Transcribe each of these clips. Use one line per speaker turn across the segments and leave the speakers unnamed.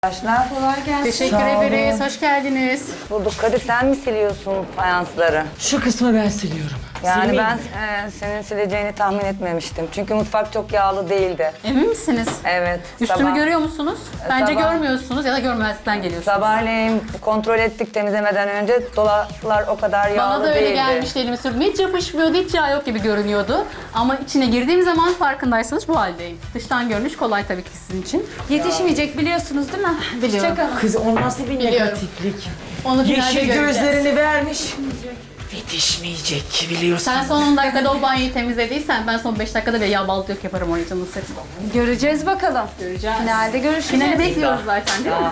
Arkadaşlar kolay gelsin.
Teşekkür ederiz. Hoş geldiniz.
Bulduk. Kadir sen mi siliyorsun fayansları?
Şu kısmı ben siliyorum.
Yani
Silmeyeyim
ben
mi?
senin sileceğini tahmin etmemiştim. Çünkü mutfak çok yağlı değildi.
Emin misiniz?
Evet.
Üstümü görüyor musunuz? Bence
sabah-
görmüyorsunuz ya da görmezlikten geliyorsunuz.
Sabahleyin kontrol ettik temizlemeden önce dolaplar o kadar yağlı
Bana da öyle
değildi.
gelmişti, elimi sürdüm. Hiç yapışmıyordu, hiç yağ yok gibi görünüyordu. Ama içine girdiğim zaman farkındaysanız bu haldeyim. Dıştan görünüş kolay tabii ki sizin için.
Yetişmeyecek biliyorsunuz değil mi?
Biliyorum.
Çiçek Hanım.
Kız o nasıl bir
Biliyorum.
negatiflik?
Onu finalde
Yeşil
göreceğiz.
gözlerini vermiş. Yetişmeyecek ki biliyorsun.
Sen son 10 dakikada o banyoyu temizlediysen ben son 5 dakikada bir yağ balık yok yaparım oraya canını sıkma.
Göreceğiz bakalım.
Göreceğiz.
Finalde görüşeceğiz.
Finali bekliyoruz zaten değil mi?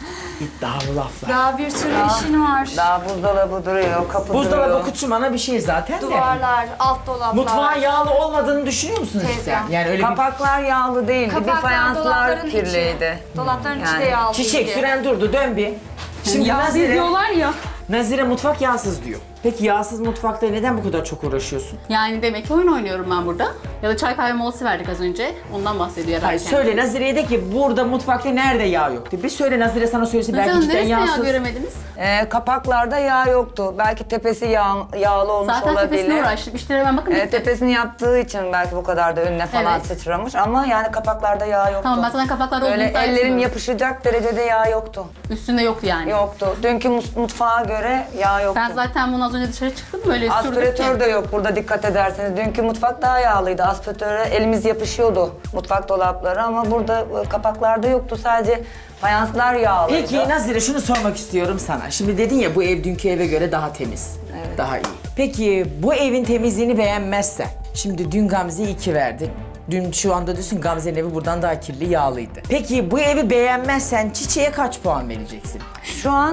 İddialı laflar.
Daha bir sürü işin var.
Daha buzdolabı duruyor, kapı
Buzdolabı
duruyor.
kutusu bana bir şey zaten de.
Duvarlar, alt dolaplar.
Mutfağın yağlı olmadığını düşünüyor musunuz
Tezgah.
sen? Yani öyle
Kapaklar yağlı değildi. Bir
Kapaklar,
fayanslar
dolapların
kirliydi.
içi. Dolapların içi
Yani
de yağlı.
bir çiçek süren durdu dön bir. Şimdi
ya.
Nazire mutfak yağsız diyor. Peki yağsız mutfakta neden bu kadar çok uğraşıyorsun?
Yani demek ki oyun oynuyorum ben burada. Ya da çay kahve molası verdik az önce. Ondan bahsediyor herhalde.
Hayır söyle Nazire'ye de ki burada mutfakta nerede yağ yok diye. Bir söyle Nazire sana söylesin belki
Mesela
cidden
neresinde yağ
yağsız.
göremediniz?
Kapaklarda yağ yoktu. Belki tepesi yağlı olmuş
Zaten
olabilir.
tepesine uğraştık. İşte hemen bakın.
Tepesini yaptığı için belki bu kadar da önüne falan
Evet.
sıçramış ama yani kapaklarda yağ yoktu.
Tamam ben zaten kapaklarda olduğunu
Böyle
iddia
ellerim
etmiyorum.
yapışacak derecede yağ yoktu.
Üstünde yoktu yani.
Yoktu. Dünkü mutfağa göre yağ yoktu.
Ben zaten bunu az önce dışarı çıktım böyle sürdük
Aspiratör
ki.
de yok burada dikkat ederseniz. Dünkü mutfak daha yağlıydı. Aspiratöre elimiz yapışıyordu mutfak dolapları ama burada kapaklarda yoktu. Sadece fayanslar yağlıydı.
Peki Nazire şunu sormak istiyorum sana. Şimdi dedin ya bu ev dünkü eve göre daha temiz.
Evet.
Daha iyi. Peki bu evin temizliğini beğenmezsen. Şimdi dün Gamze'ye 2 verdin. Dün şu anda diyorsun Gamze'nin evi buradan daha kirli, yağlıydı. Peki bu evi beğenmezsen Çiçeğe kaç puan vereceksin?
Şu an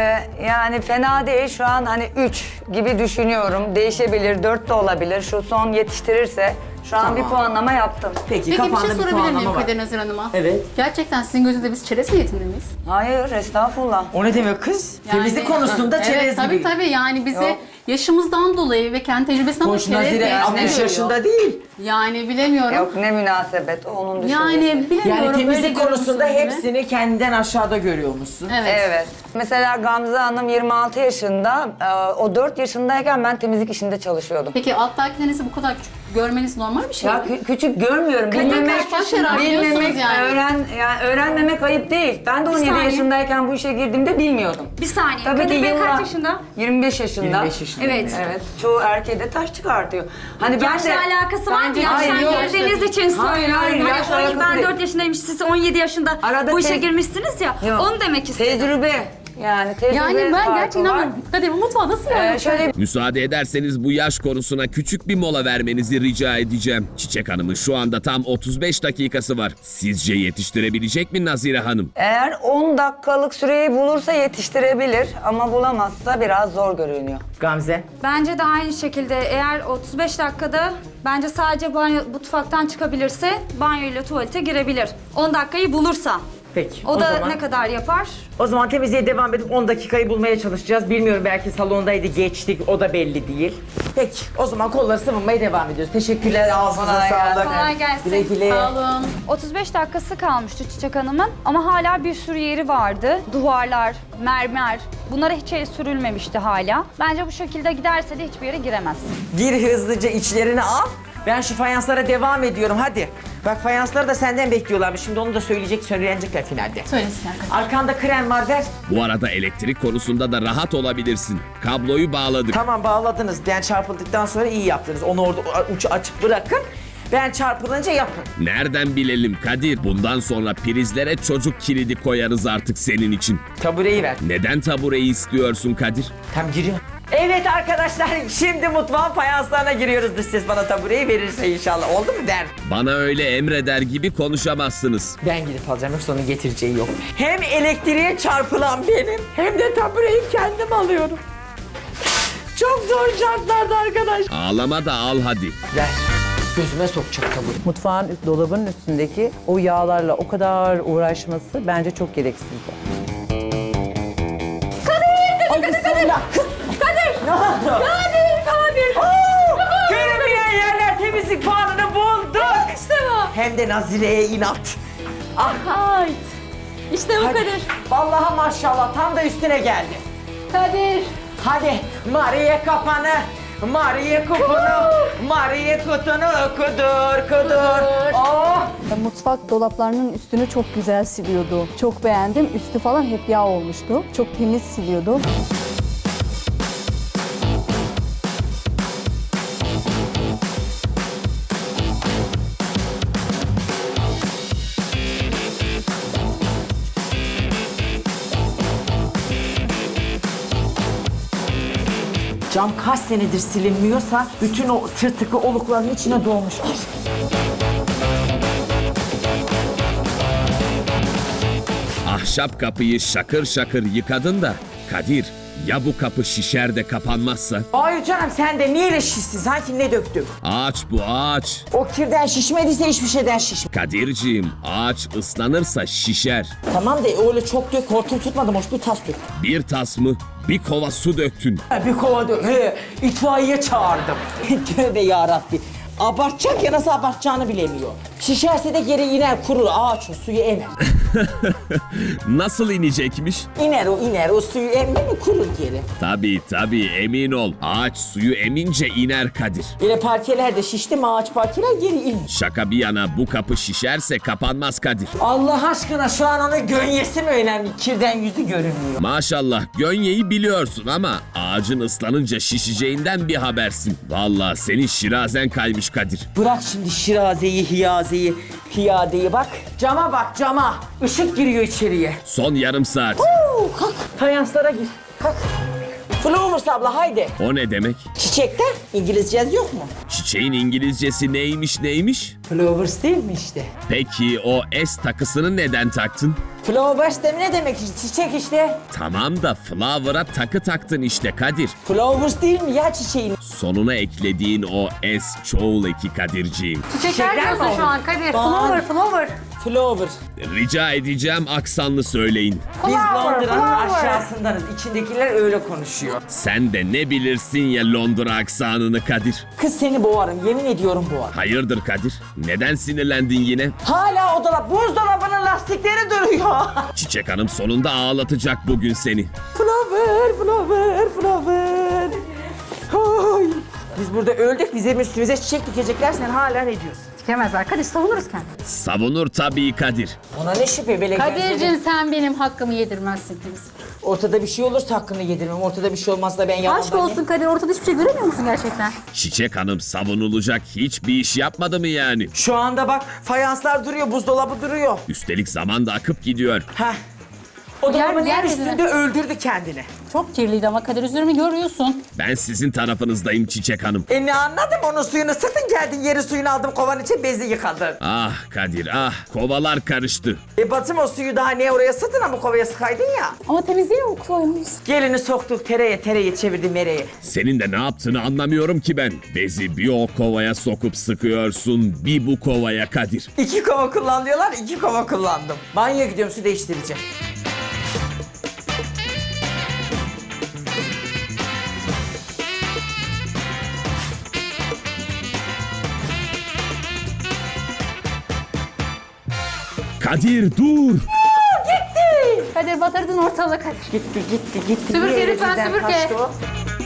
yani fena değil. Şu an hani 3 gibi düşünüyorum. Değişebilir, 4 de olabilir. Şu son yetiştirirse şu an
Tamam.
bir puanlama yaptım.
Peki,
Peki bir
kafanda
şey
bir
sorabilir miyim
puanlama var.
Kadir Nazır Hanım'a?
Evet.
Gerçekten sizin gözünüzde biz çerez niyetinde miyiz?
Hayır, estağfurullah.
O ne demek kız? Temizlik konusunda
evet,
çerez
tabii,
gibi.
Tabii yani bizi
Yok.
yaşımızdan dolayı ve kendi tecrübesinden dolayı
Hoş
çerez
Nazire
niyetinde
60
görüyor.
yaşında değil.
Yani bilemiyorum.
Yok ne münasebet, o onun düşüncesi.
Yani bilemiyorum.
Yani
öyle
temizlik konusunda
görüyorsunuz değil mi?
hepsini kendinden aşağıda görüyormuşsun.
Evet.
Evet. Mesela Gamze Hanım 26 yaşında, o 4 yaşındayken ben temizlik işinde çalışıyordum.
Peki alttakilerinizi bu kadar küçük görmeniz normal bir şey mi?
Ya küçük görmüyorum. Bilmemek,
kaç şeyler biliyorsunuz
bilmemek,
yani.
öğrenmemek ayıp değil. Ben de 17
saniye.
yaşındayken bu işe girdiğimde bilmiyordum.
Bir saniye.
Tabii
Kadir
ki
Bey
yıllar-
kaç yaşında?
25 yaşında.
25 yaşında.
Evet.
Evet. Çoğu erkeğe de taş çıkartıyor. Hani ben
Yaşla
de
alakası var mı?
Bence
Yaştan
hayır, yok.
girdiğiniz için
Hayır,
söylüyorum.
hayır,
Hani
yaşla alakası
ben
değil.
4 yaşındayım, siz 17 yaşında
Arada
bu işe
tez-
girmişsiniz ya.
Yok.
Onu demek istedim.
Tecrübe. Yani tecrübe
Yani ben
farkı
gerçekten
var.
inanmıyorum. Kadir bu mutfağı nasıl yani?
Şöyle
Müsaade ederseniz bu yaş konusuna küçük bir mola vermenizi rica edeceğim. Çiçek Hanım'ın şu anda tam 35 dakikası var. Sizce yetiştirebilecek mi Nazire Hanım?
eğer 10 dakikalık süreyi bulursa yetiştirebilir ama bulamazsa biraz zor görünüyor.
Gamze.
Bence de aynı şekilde eğer 35 dakikada bence sadece banyo mutfaktan çıkabilirse banyo ile tuvalete girebilir. 10 dakikayı bulursa.
Peki.
O da
zaman,
ne kadar yapar?
O zaman temizliğe devam edip 10 dakikayı bulmaya çalışacağız. Bilmiyorum belki salondaydı geçtik o da belli değil. Peki o zaman kolları sıvınmaya devam ediyoruz. Teşekkürler ağzınıza
Kolay
sağlık.
gelsin.
Kolay gelsin.
Güle güle.
Sağ olun.
35 dakikası kalmıştı Çiçek Hanım'ın ama hala bir sürü yeri vardı. Duvarlar, mermer, bunlara hiç el sürülmemişti hala. Bence bu şekilde giderse de hiçbir yere giremez.
Gir hızlıca içlerini al. Ben şu fayanslara devam ediyorum hadi. Bak fayansları da senden bekliyorlarmış. Şimdi onu da söylenecekler finalde.
Söylesinler Kadir.
Arkanda krem var ver.
Bu arada elektrik konusunda da rahat olabilirsin. Kabloyu bağladık.
Tamam bağladınız. Ben çarpıldıktan sonra iyi yaptınız. Onu orada ucu açık bırakın. Ben çarpılınca yapın.
Nereden bilelim Kadir? Bundan sonra prizlere çocuk kilidi koyarız artık senin için.
Tabureyi ver.
Neden tabureyi istiyorsun Kadir?
Tam giriyor. Evet arkadaşlar şimdi mutfağın fayanslarına giriyoruz. Dış ses bana tabureyi verirse inşallah. Oldu mu der.
Bana öyle emreder gibi konuşamazsınız.
Ben gidip alacağım yoksa onun getireceği yok. Hem elektriğe çarpılan benim hem de tabureyi kendim alıyorum. Çok zor şartlarda arkadaş.
Ağlama da al hadi.
Ver. Gözüme sokacak tabure.
Mutfağın dolabının üstündeki o yağlarla o kadar uğraşması bence çok gereksizdi.
Görünmeyen yerler temizlik puanını bulduk. İşte bu. Hem de Nazire'ye inat. Ah.
Ay. İşte bu
Hadi.
Kadir.
Vallahi maşallah tam da üstüne geldi.
Kadir.
Hadi Maria kapanı, Maria kupunu, Maria kutunu kudur. Oh!
Mutfak dolaplarının üstünü çok güzel siliyordu. Çok beğendim. Üstü falan hep yağ olmuştu. Çok temiz siliyordu.
Cam kaç senedir silinmiyorsa bütün o tırtıklı olukların içine dolmuş kir.
Ahşap kapıyı şakır şakır yıkadın da Kadir, ya bu kapı şişer de kapanmazsa?
Hayır canım sen de niye öyle şişsin? Sanki ne döktük?
Ağaç bu ağaç.
O kirden şişmediyse hiçbir şeyden şişmedi.
Kadirciğim, ağaç ıslanırsa şişer.
Tamam da öyle çok dök, hortum tutmadım, hoş bir tas dök.
Bir tas mı? Bir kova su döktün.
Bir kova dök, itfaiye çağırdım. Tövbe yarabbi. Abartacak ya nasıl abartacağını bilemiyor. Şişerse de geri iner, kurur, ağaç o suyu emer.
Nasıl inecekmiş?
İner o suyu emmi mi kurur geri.
Tabii emin ol. Ağaç suyu emince iner Kadir.
Böyle parkeler de şişti mi ağaç parkeler geri iner.
Şaka bir yana bu kapı şişerse kapanmaz Kadir.
Allah aşkına şu an onun gönyesi mi önemli? Kirden yüzü görünmüyor.
Maşallah gönyeyi biliyorsun ama ağacın ıslanınca şişeceğinden bir habersin. Vallahi senin şirazen kaymış Kadir.
Bırak şimdi şirazeyi, hiyazeyi, piyadeyi bak. Cama bak cama. Işık giriyor içeriye.
Son yarım saat.
Kalk. Fayanslara gir. Kalk. Flowers abla haydi.
O ne demek?
Çiçekte İngilizce yaz yok mu?
Çiçeğin İngilizcesi neymiş?
Flowers değil mi işte?
Peki o S takısını neden taktın?
Flowers de ne demek işte? Çiçek işte.
Tamam da flower'a takı taktın işte Kadir.
Flowers değil mi ya çiçeğin?
Sonuna eklediğin o S çoğul eki Kadirciğim.
Çiçekler diyorsun
mi
şu an Kadir.
Bak.
Flower.
Flower.
Rica edeceğim aksanlı söyleyin.
Biz Londra'nın aşağısındanız. İçindekiler öyle konuşuyor.
Sen de ne bilirsin ya Londra aksanını Kadir.
Kız seni boğarım. Yemin ediyorum boğarım.
Hayırdır Kadir? Neden sinirlendin yine?
Hala o dolap. Buzdolabının lastikleri duruyor.
Çiçek Hanım sonunda ağlatacak bugün seni.
Flower. Ay. Biz burada öldük. Bizim üstümüze çiçek dikecekler. Sen hala ne diyorsun?
Dikemezler. Kadir savunuruz kendini.
Savunur tabii Kadir.
Ona ne şüphe böyle
Kadir'cim sen benim hakkımı yedirmezsin kimse.
Ortada bir şey olursa hakkını yedirmem. Ortada bir şey olmazsa ben yalan
Aşk olsun Kadir, ortada hiçbir şey göremiyor musun gerçekten?
Çiçek Hanım savunulacak hiçbir iş yapmadı mı yani?
Şu anda bak fayanslar duruyor, buzdolabı duruyor.
Üstelik zaman da akıp gidiyor.
Heh. O dolabın
yer
yer
yüzüne.
üstünde öldürdü kendini.
Çok kirliydi ama Kadir, üzerimi görüyorsun.
Ben sizin tarafınızdayım Çiçek Hanım.
Ne anladım onun suyunu sıktın geldin yeri suyunu aldım kovan için bezi yıkadın.
Ah Kadir ah kovalar karıştı.
Batım o suyu daha niye oraya sıktın ama kovaya sıkaydın ya.
Ama temizliğe mi koymuş?
Gelini soktuk tereyi çevirdi mereye.
Senin de ne yaptığını anlamıyorum ki ben. Bezi bir o kovaya sokup sıkıyorsun, bir bu kovaya Kadir.
2 kova kullanıyorlar 2 kova kullandım. Banyoya gidiyorum su değiştireceğim.
Kadir dur!
Kadir batırdın ortalığı Kadir.
Gitti.
Süpürge
Niye
lütfen,
elimizden
süpürge.
kaçtı o?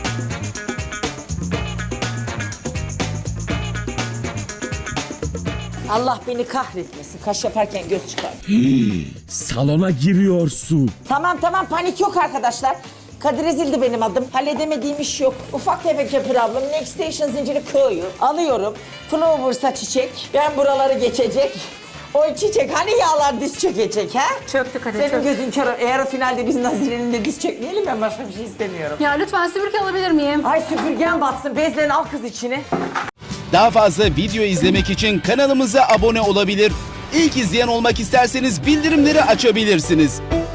Allah beni kahretmesin. Kaş yaparken göz çıkar.
Salona giriyor su.
Tamam panik yok arkadaşlar. Kadir Ezildi benim adım. Halledemediğim iş yok. Ufak tefek bir problem. Next Station zinciri koyu. Alıyorum. Flowers'a çiçek. Ben buraları geçecek. O çiçek hani yağlar diz çökecek ha?
Çöktü Kadir,
Senin
çöktü.
gözün kör. Eğer o finalde biz Nazire'nin de diz çökmeyelim ben başka bir şey istemiyorum.
Ya lütfen süpürge alabilir miyim?
Ay süpürgen batsın. Bezlerini al kız içine.
Daha fazla video izlemek için kanalımıza abone olabilir. İlk izleyen olmak isterseniz bildirimleri açabilirsiniz.